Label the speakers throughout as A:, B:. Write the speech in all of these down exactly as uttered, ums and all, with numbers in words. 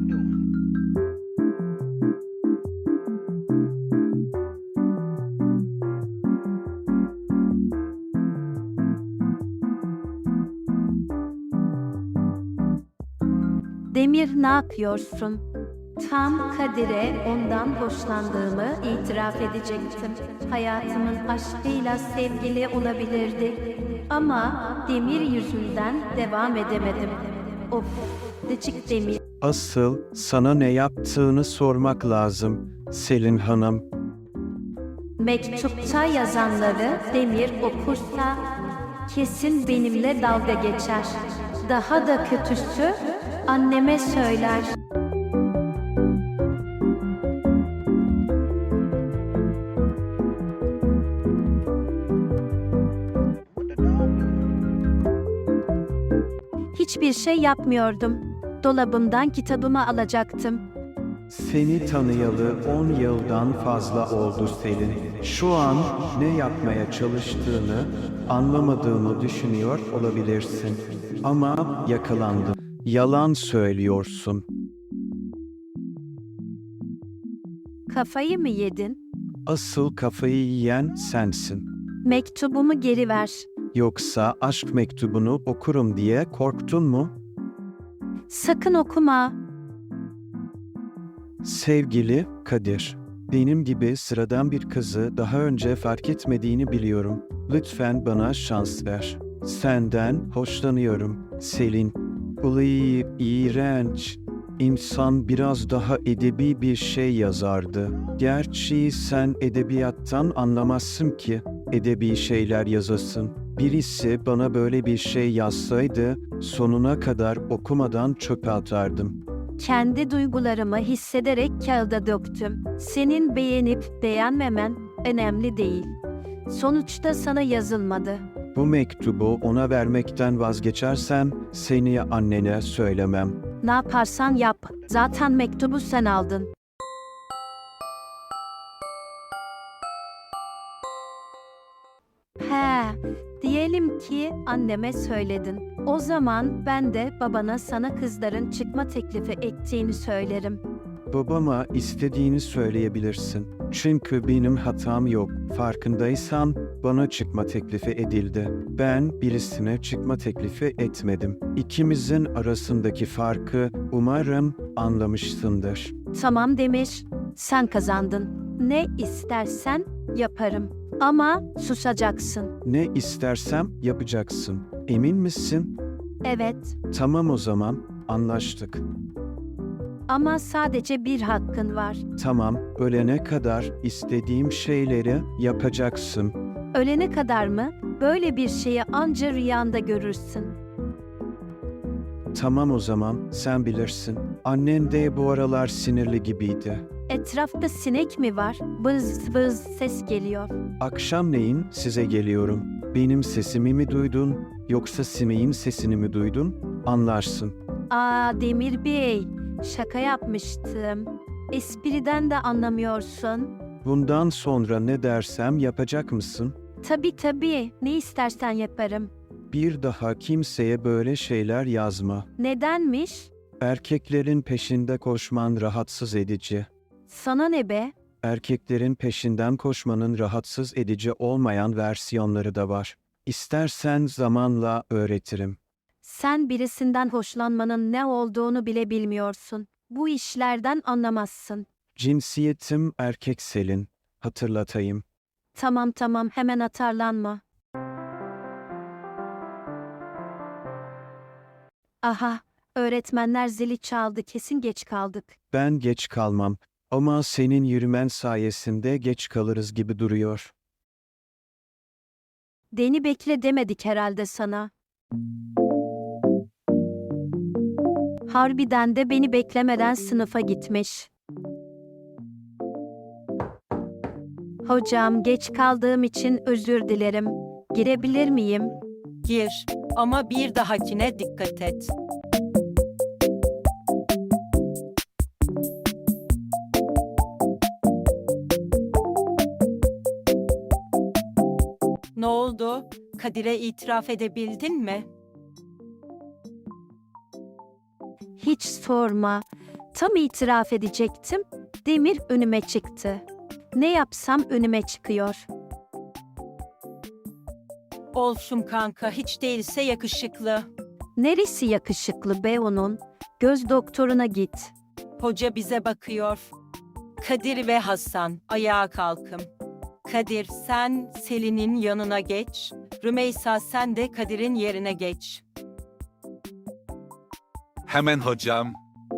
A: Demir, ne yapıyorsun? Tam Kadir'e ondan hoşlandığımı itiraf edecektim. Hayatımın aşkıyla sevgili olabilirdik. Ama Demir yüzünden devam edemedim. Of, gıcık Demir.
B: Asıl sana ne yaptığını sormak lazım, Selin Hanım.
A: Mektupta yazanları Demir okursa kesin benimle dalga geçer. Daha da kötüsü anneme söyler. Hiçbir şey yapmıyordum. Dolabımdan kitabımı alacaktım.
B: Seni tanıyalı on yıldan fazla oldu Selin. Şu an ne yapmaya çalıştığını anlamadığını düşünüyor olabilirsin. Ama yakalandın. Yalan söylüyorsun.
A: Kafayı mı yedin?
B: Asıl kafayı yiyen sensin.
A: Mektubumu geri ver.
B: Yoksa aşk mektubunu okurum diye korktun mu?
A: Sakın okuma.
B: Sevgili Kadir, benim gibi sıradan bir kızı daha önce fark etmediğini biliyorum. Lütfen bana şans ver. Senden hoşlanıyorum, Selin. Ulan, iğrenç. İnsan biraz daha edebi bir şey yazardı. Gerçi sen edebiyattan anlamazsın ki edebi şeyler yazasın. Birisi bana böyle bir şey yazsaydı sonuna kadar okumadan çöpe atardım.
A: Kendi duygularımı hissederek kağıda döktüm. Senin beğenip beğenmemen önemli değil. Sonuçta sana yazılmadı.
B: Bu mektubu ona vermekten vazgeçersem seni annene söylemem.
A: Ne yaparsan yap. Zaten mektubu sen aldın. He, diyelim ki anneme söyledin. O zaman ben de babana sana kızların çıkma teklifi ettiğini söylerim.
B: Babama istediğini söyleyebilirsin. Çünkü benim hatam yok. Farkındaysan bana çıkma teklifi edildi. Ben birisine çıkma teklifi etmedim. İkimizin arasındaki farkı umarım anlamışsındır.
A: Tamam Demir, sen kazandın. Ne istersen yaparım. Ama susacaksın.
B: Ne istersem yapacaksın. Emin misin?
A: Evet,
B: Tamam o zaman, anlaştık.
A: ama sadece bir hakkın var.
B: Tamam, ölene kadar istediğim şeyleri yapacaksın.
A: Ölene kadar mı? Böyle bir şeyi anca rüyanda görürsün.
B: Tamam o zaman, sen bilirsin. Annen de bu aralar sinirli gibiydi.
A: Etrafta sinek mi var? Bız bız ses geliyor.
B: Akşamleyin size geliyorum. Benim sesimi mi duydun, yoksa sineğin sesini mi duydun? Anlarsın.
A: Aa Demir Bey, şaka yapmıştım. Espriden de anlamıyorsun.
B: Bundan sonra ne dersem yapacak mısın?
A: Tabii tabii, ne istersen yaparım.
B: Bir daha kimseye böyle şeyler yazma.
A: Nedenmiş?
B: Erkeklerin peşinde koşman rahatsız edici.
A: Sana ne be?
B: Erkeklerin peşinden koşmanın rahatsız edici olmayan versiyonları da var. İstersen zamanla öğretirim.
A: Sen birisinden hoşlanmanın ne olduğunu bile bilmiyorsun. Bu işlerden anlamazsın.
B: Cinsiyetim erkek Selin. Hatırlatayım.
A: Tamam tamam, hemen atarlanma. Aha, öğretmenler zili çaldı, kesin geç kaldık.
B: Ben geç kalmam. Ama senin yürümen sayesinde geç kalırız gibi duruyor.
A: Deni bekle demedik herhalde sana. Harbiden de beni beklemeden sınıfa gitmiş. Hocam, geç kaldığım için özür dilerim. Girebilir miyim?
C: Gir ama bir dahakine dikkat et. Ne oldu? Kadir'e itiraf edebildin mi?
A: Hiç sorma. Tam itiraf edecektim. Demir önüme çıktı. Ne yapsam önüme çıkıyor.
C: Olsun kanka, hiç değilse yakışıklı.
A: Neresi yakışıklı be onun? Göz doktoruna git.
C: Hoca bize bakıyor. Kadir ve Hasan, ayağa kalkın. Kadir, sen Selin'in yanına geç. Rümeysa, sen de Kadir'in yerine geç.
D: Hemen hocam.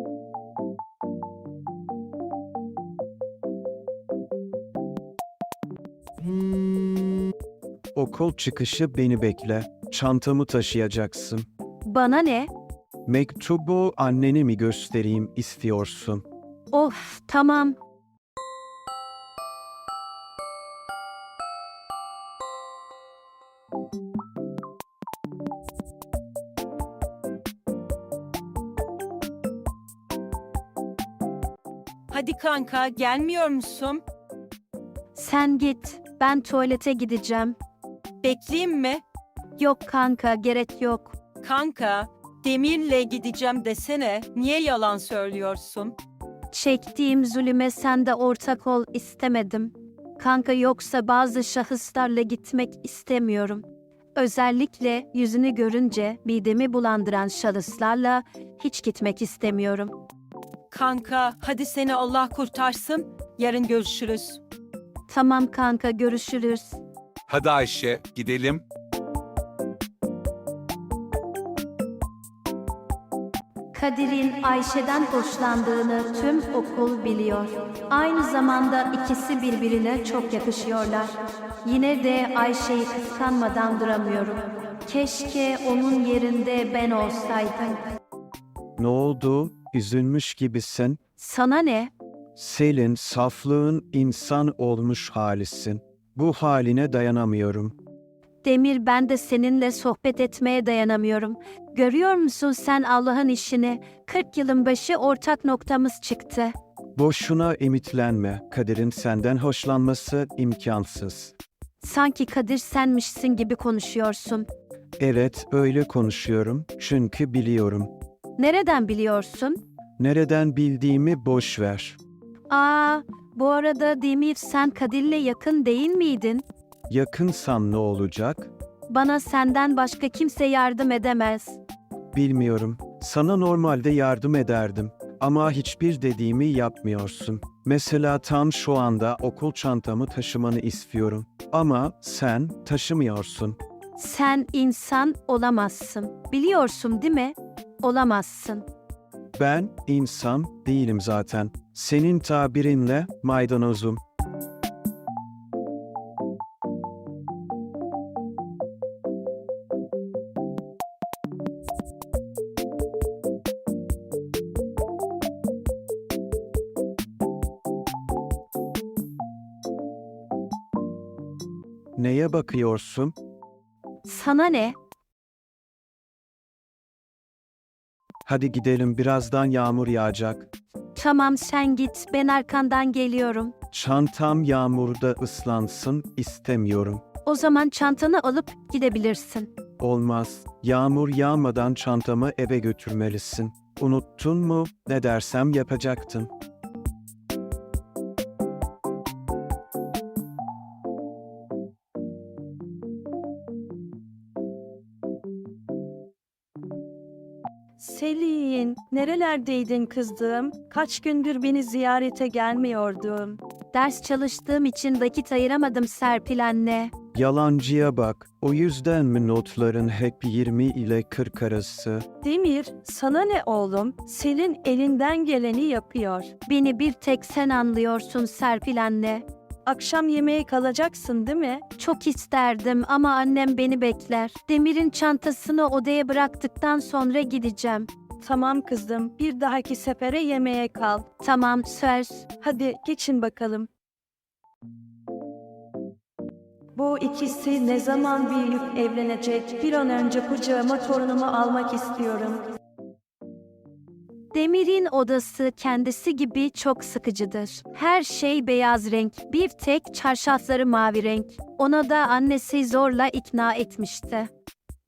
B: Okul çıkışı beni bekle. Çantamı taşıyacaksın.
A: Bana ne?
B: Mektubu annene mi göstereyim istiyorsun?
A: Of, tamam.
C: Hadi kanka, gelmiyor musun?
A: Sen git. Ben tuvalete gideceğim.
C: Bekleyeyim mi?
A: Yok kanka, gerek yok.
C: Kanka, Demir'le gideceğim desene. Niye yalan söylüyorsun?
A: Çektiğim zulüme sen de ortak ol istemedim. Kanka, yoksa bazı şahıslarla gitmek istemiyorum. Özellikle yüzünü görünce midemi bulandıran şahıslarla hiç gitmek istemiyorum.
C: Kanka, hadi seni Allah kurtarsın. Yarın görüşürüz.
A: Tamam kanka, görüşürüz.
D: Hadi Ayşe, gidelim.
A: Kadir'in Ayşe'den hoşlandığını tüm okul biliyor. Aynı zamanda ikisi birbirine çok yakışıyorlar. Yine de Ayşe'yi kıskanmadan duramıyorum. Keşke onun yerinde ben olsaydım.
B: Ne oldu? Üzülmüş gibisin.
A: Sana ne?
B: Selin, saflığın insan olmuş halisin. Bu haline dayanamıyorum.
A: Demir, ben de seninle sohbet etmeye dayanamıyorum. Görüyor musun sen Allah'ın işini? kırk yılın başı ortak noktamız çıktı.
B: Boşuna ümitlenme. Kadir'in senden hoşlanması imkansız.
A: Sanki Kadir senmişsin gibi konuşuyorsun.
B: Evet, öyle konuşuyorum çünkü biliyorum.
A: Nereden biliyorsun?
B: Nereden bildiğimi boş ver.
A: Aa, bu arada Demir, sen Kadir'le yakın değil miydin?
B: Yakınsam ne olacak?
A: Bana senden başka kimse yardım edemez.
B: Bilmiyorum. Sana normalde yardım ederdim. Ama hiçbir dediğimi yapmıyorsun. Mesela tam şu anda okul çantamı taşımanı istiyorum. Ama sen taşımıyorsun.
A: Sen insan olamazsın. Biliyorsun değil mi? Olamazsın.
B: Ben insan değilim zaten. Senin tabirinle maydanozum. Neye bakıyorsun?
A: Sana ne?
B: Hadi gidelim, birazdan yağmur yağacak.
A: Tamam, sen git, ben arkandan geliyorum.
B: Çantam yağmurda ıslansın istemiyorum.
A: O zaman çantanı alıp gidebilirsin.
B: Olmaz. Yağmur yağmadan çantamı eve götürmelisin. Unuttun mu? Ne dersem yapacaktın.
E: Selin, nerelerdeydin kızım? Kaç gündür beni ziyarete gelmiyordun.
A: Ders çalıştığım için vakit ayıramadım Serpil anne.
B: Yalancıya bak. O yüzden mi notların hep yirmi ile kırk arası?
E: Demir, sana ne oğlum? Selin elinden geleni yapıyor.
A: Beni bir tek sen anlıyorsun Serpil anne.
E: Akşam yemeğe kalacaksın değil mi?
A: Çok isterdim ama annem beni bekler. Demir'in çantasını odaya bıraktıktan sonra gideceğim.
E: Tamam kızım, bir dahaki sefere yemeğe kal.
A: Tamam, söz.
E: Hadi geçin bakalım. Bu ikisi ne zaman büyüyüp evlenecek? Bir an önce kucağıma torunumu almak istiyorum.
A: Demir'in odası kendisi gibi çok sıkıcıdır. Her şey beyaz renk, bir tek çarşafları mavi renk. Ona da annesi zorla ikna etmişti.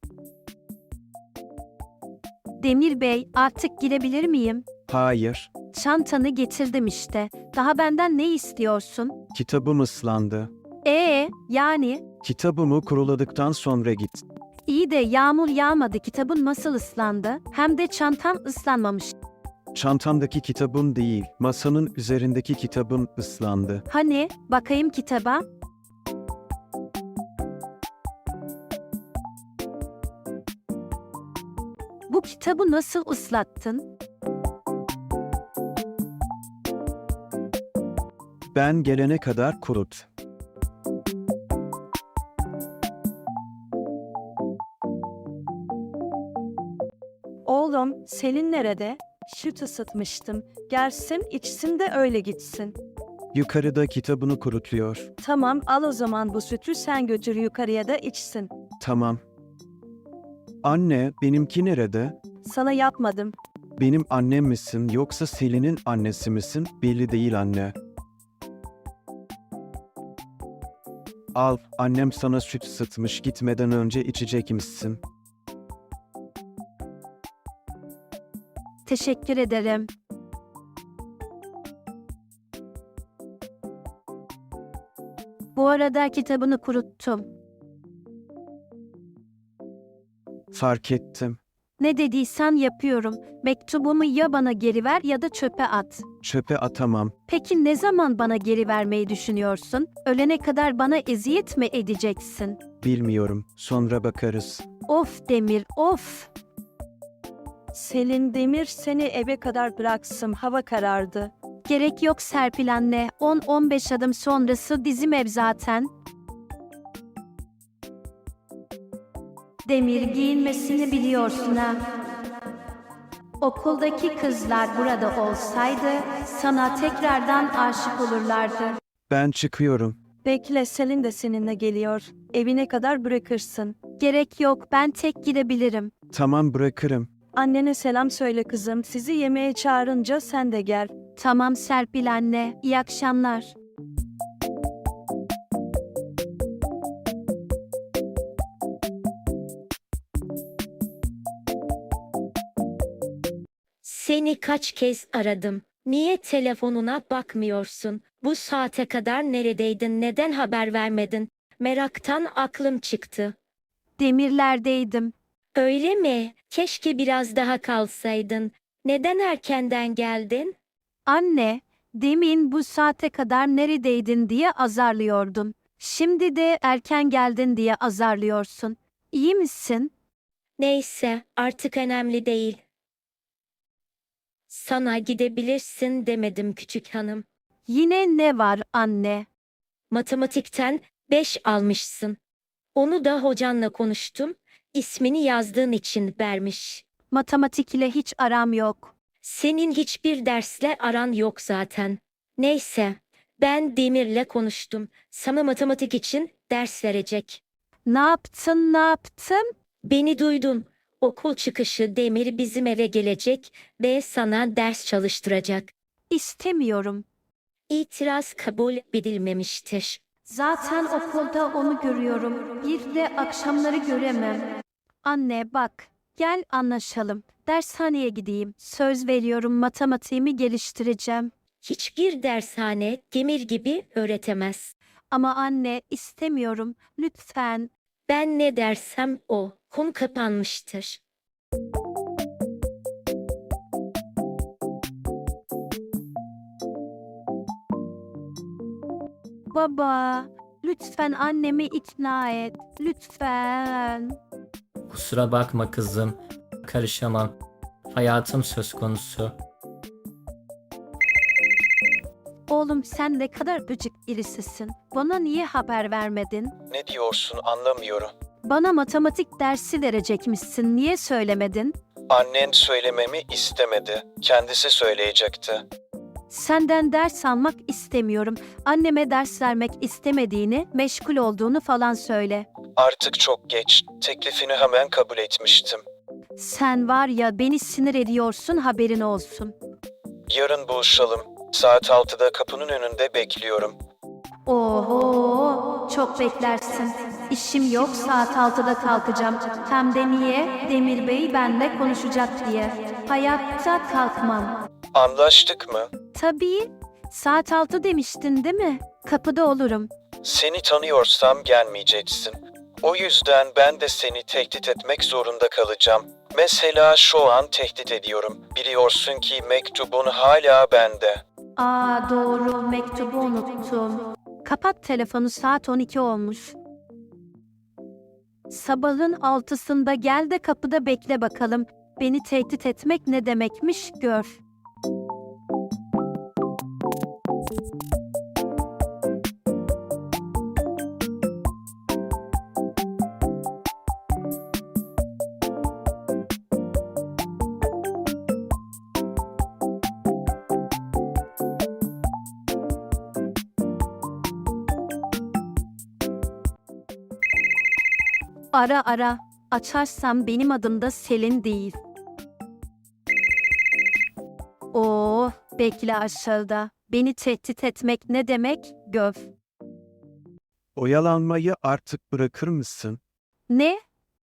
A: Demir Bey, artık girebilir miyim?
B: Hayır.
A: Çantanı getirdim işte. Daha benden ne istiyorsun?
B: Kitabım ıslandı.
A: Ee, yani
B: Kitabımı kuruladıktan sonra git.
A: iyi de yağmur yağmadı. Kitabın nasıl ıslandı? Hem de çantam ıslanmamış.
B: Çantamdaki kitabım değil, masanın üzerindeki kitabım ıslandı.
A: Hani bakayım kitaba. Bu kitabı nasıl ıslattın?
B: Ben gelene kadar kurut.
E: Oğlum, Selin nerede? Süt ısıtmıştım. Gelsin, içsin de öyle gitsin.
B: Yukarıda kitabını kurutuyor.
E: Tamam, al o zaman bu sütü sen götür yukarıya da içsin.
B: Tamam. Anne, benimki nerede?
E: Sana yapmadım.
B: Benim annem misin yoksa Selin'in annesi misin? Belli değil anne. Al, annem sana süt ısıtmış, gitmeden önce içecek misin?
A: Teşekkür ederim. Bu arada kitabını kuruttum.
B: Fark ettim.
A: Ne dediysen yapıyorum. Mektubumu ya bana geri ver ya da çöpe at.
B: Çöpe atamam.
A: Peki ne zaman bana geri vermeyi düşünüyorsun? Ölene kadar bana eziyet mi edeceksin?
B: Bilmiyorum. Sonra bakarız.
A: Of Demir, of!
E: Selin Demir seni eve kadar bıraksın, hava karardı.
A: Gerek yok Serpil anne. on on beş adım sonrası bizim ev zaten. Demir giyinmesini biliyorsun ha. Okuldaki kızlar burada olsaydı sana tekrardan aşık olurlardı.
B: Ben çıkıyorum.
E: Bekle, Selin de seninle geliyor. Evine kadar bırakırsın.
A: Gerek yok, ben tek gidebilirim.
B: Tamam bırakırım.
E: Annene selam söyle kızım. Sizi yemeğe çağırınca sen de gel.
A: Tamam Serpil anne, iyi akşamlar.
F: Seni kaç kez aradım. Niye telefonuna bakmıyorsun? Bu saate kadar neredeydin? Neden haber vermedin? Meraktan aklım çıktı.
A: Demirlerdeydim.
F: Öyle mi? Keşke biraz daha kalsaydın. Neden erkenden geldin?
A: Anne, demin bu saate kadar neredeydin diye azarlıyordun. Şimdi de erken geldin diye azarlıyorsun. İyi misin?
F: Neyse, artık önemli değil. Sana gidebilirsin demedim küçük hanım.
A: Yine ne var anne?
F: Matematikten beş almışsın. Onu da hocanla konuştum. İsmini yazdığın için vermiş.
A: Matematik ile hiç aram yok.
F: Senin hiçbir dersle aran yok zaten. Neyse, ben Demir'le konuştum. Sana matematik için ders verecek.
A: Ne yaptın, ne yaptın?
F: Beni duydun. Okul çıkışı Demir bizim eve gelecek ve sana ders çalıştıracak.
A: İstemiyorum.
F: İtiraz kabul edilmemiştir.
A: Zaten okulda onu görüyorum. Bir de akşamları göremem. Anne bak, gel anlaşalım. Dershaneye gideyim. Söz veriyorum matematiğimi geliştireceğim.
F: Hiçbir dershane Demir gibi öğretemez.
A: Ama anne istemiyorum. Lütfen.
F: Ben ne dersem o. Konu kapanmıştır.
A: Baba, lütfen annemi ikna et. Lütfen.
G: Kusura bakma kızım. Karışamam. Hayatım söz konusu.
A: Oğlum sen ne kadar gıcık birisisin. Bana niye haber vermedin?
B: Ne diyorsun anlamıyorum.
A: Bana matematik dersi verecekmişsin. Niye söylemedin?
B: Annen söylememi istemedi. Kendisi söyleyecekti.
A: Senden ders almak istemiyorum. Anneme ders vermek istemediğini, meşgul olduğunu falan söyle.
B: Artık çok geç. Teklifini hemen kabul etmiştim.
A: Sen var ya beni sinir ediyorsun haberin olsun.
B: Yarın buluşalım. Saat altıda kapının önünde bekliyorum.
A: Oho, çok beklersin. İşim yok, saat altıda kalkacağım. Hem de niye? Demir Bey benimle konuşacak diye. Hayatta kalkmam.
B: Anlaştık mı?
A: Tabii. Saat altı demiştin değil mi? Kapıda olurum.
B: Seni tanıyorsam gelmeyeceksin. O yüzden ben de seni tehdit etmek zorunda kalacağım. Mesela şu an tehdit ediyorum. Biliyorsun ki mektubun hala bende.
A: Aa doğru, mektubu unuttum. Kapat telefonu, saat on iki olmuş. Sabahın altısında gel de kapıda bekle bakalım. Beni tehdit etmek ne demekmiş gör. Ara ara. Açarsam benim adım da Selin değil. Oo, bekle aşağıda. Beni tehdit etmek ne demek? Göv.
B: Oyalanmayı artık bırakır mısın?
A: Ne?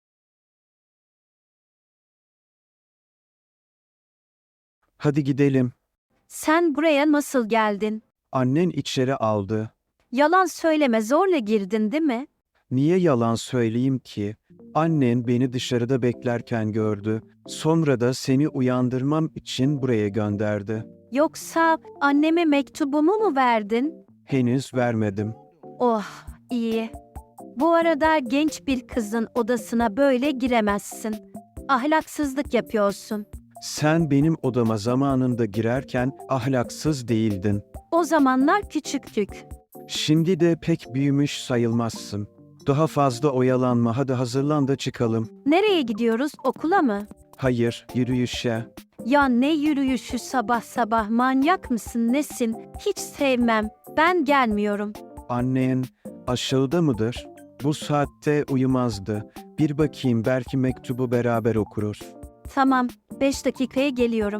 B: Hadi gidelim.
A: Sen buraya nasıl geldin?
B: Annen içeri aldı.
A: Yalan söyleme, zorla girdin değil mi?
B: Niye yalan söyleyeyim ki? Annen beni dışarıda beklerken gördü. Sonra da seni uyandırmam için buraya gönderdi.
A: Yoksa anneme mektubumu mu verdin?
B: Henüz vermedim.
A: Oh, iyi. Bu arada genç bir kızın odasına böyle giremezsin. Ahlaksızlık yapıyorsun.
B: Sen benim odama zamanında girerken ahlaksız değildin.
A: O zamanlar küçüktük.
B: Şimdi de pek büyümüş sayılmazsın. Daha fazla oyalanma, hadi hazırlan da çıkalım.
A: Nereye gidiyoruz, okula mı?
B: Hayır, yürüyüşe.
A: Ya ne yürüyüşü sabah sabah, manyak mısın nesin? Hiç sevmem. Ben gelmiyorum.
B: Annen aşağıda mıdır? Bu saatte uyumazdı. Bir bakayım, belki mektubu beraber okuruz.
A: Tamam, beş dakikaya geliyorum.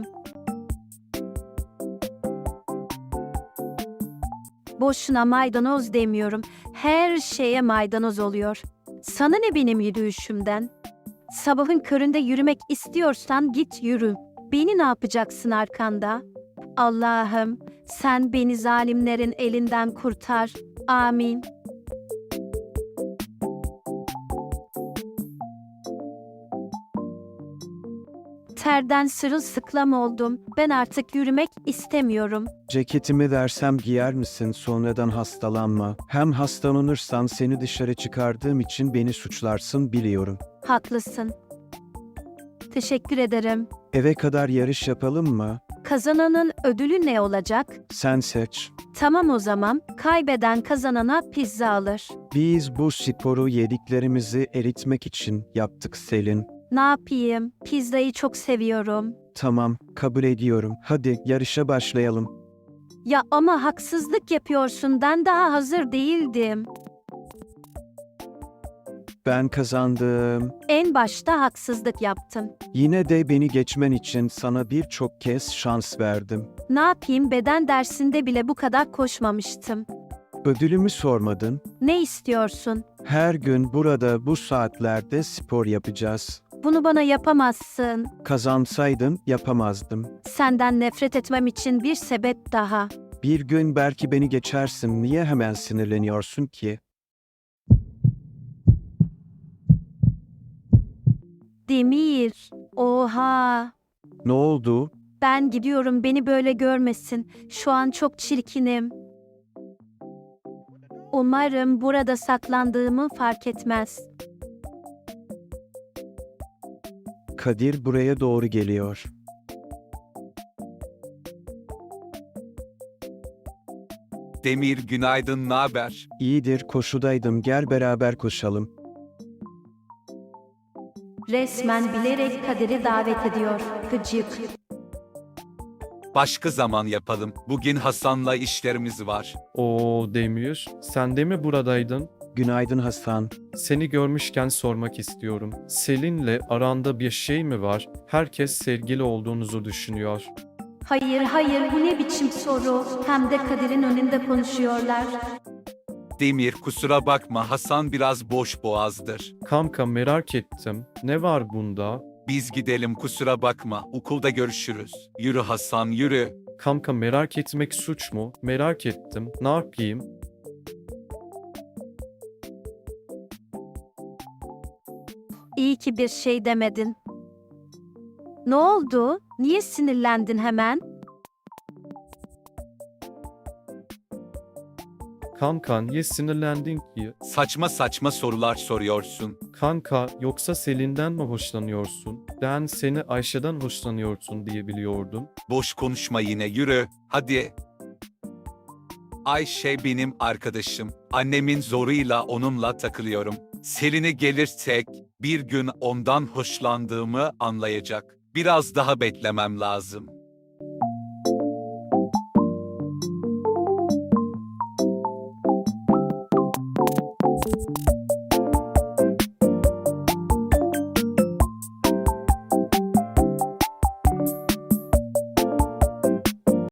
A: Boşuna maydanoz demiyorum. Her şeye maydanoz oluyor. Sana ne benim yürüyüşümden? Sabahın köründe yürümek istiyorsan git yürü. Beni ne yapacaksın arkanda? Allah'ım, sen beni zalimlerin elinden kurtar. Amin. Terden sırılsıklam oldum. Ben artık yürümek istemiyorum.
B: Ceketimi versem giyer misin? Sonradan hastalanma. Hem hastalanırsan seni dışarı çıkardığım için beni suçlarsın, biliyorum.
A: Haklısın. Teşekkür ederim.
B: Eve kadar yarış yapalım mı?
A: Kazananın ödülü ne olacak?
B: Sen seç.
A: Tamam o zaman. Kaybeden kazanana pizza alır.
B: Biz bu sporu yediklerimizi eritmek için yaptık Selin.
A: Ne yapayım? Pizzayı çok seviyorum.
B: Tamam, kabul ediyorum. Hadi yarışa başlayalım.
A: Ya ama haksızlık yapıyorsun. Ben daha hazır değildim.
B: Ben kazandım.
A: En başta haksızlık yaptım.
B: Yine de beni geçmen için sana birçok kez şans verdim.
A: Ne yapayım? Beden dersinde bile bu kadar koşmamıştım.
B: Ödülümü sormadın.
A: Ne istiyorsun?
B: Her gün burada bu saatlerde spor yapacağız.
A: Bunu bana yapamazsın.
B: Kazansaydın yapamazdım.
A: Senden nefret etmem için bir sebep daha.
B: Bir gün belki beni geçersin. Niye hemen sinirleniyorsun ki?
A: Demir. Oha.
B: Ne oldu?
A: Ben gidiyorum, beni böyle görmesin. Şu an çok çirkinim. Umarım burada saklandığımı fark etmez.
B: Kadir buraya doğru geliyor.
D: Demir günaydın, naber?
B: İyidir, koşudaydım. Gel beraber koşalım.
A: Resmen bilerek Kadir'i davet ediyor. Gıcık.
D: Başka zaman yapalım. Bugün Hasan'la işlerimiz var.
H: Oo Demir, sen de mi buradaydın?
B: Günaydın Hasan.
H: Seni görmüşken sormak istiyorum. Selin'le aranda bir şey mi var? Herkes sevgili olduğunuzu düşünüyor.
A: Hayır hayır, bu ne biçim soru? Hem de Kadir'in önünde konuşuyorlar.
D: Demir kusura bakma, Hasan biraz boş boğazdır.
H: Kanka merak ettim. Ne var bunda?
D: Biz gidelim, kusura bakma. Okulda görüşürüz. Yürü Hasan, yürü.
H: Kanka merak etmek suç mu? Merak ettim. Ne yapayım?
A: İyi ki bir şey demedin. Ne oldu? Niye sinirlendin hemen?
H: Kanka niye sinirlendin ki?
D: Saçma saçma sorular soruyorsun.
H: Kanka yoksa Selin'den mi hoşlanıyorsun? Ben seni Ayşe'den hoşlanıyorsun diye biliyordum.
D: Boş konuşma yine, yürü. Hadi. Ayşe benim arkadaşım. Annemin zoruyla onunla takılıyorum. Selin'e gelirsek bir gün ondan hoşlandığımı anlayacak. Biraz daha beklemem lazım.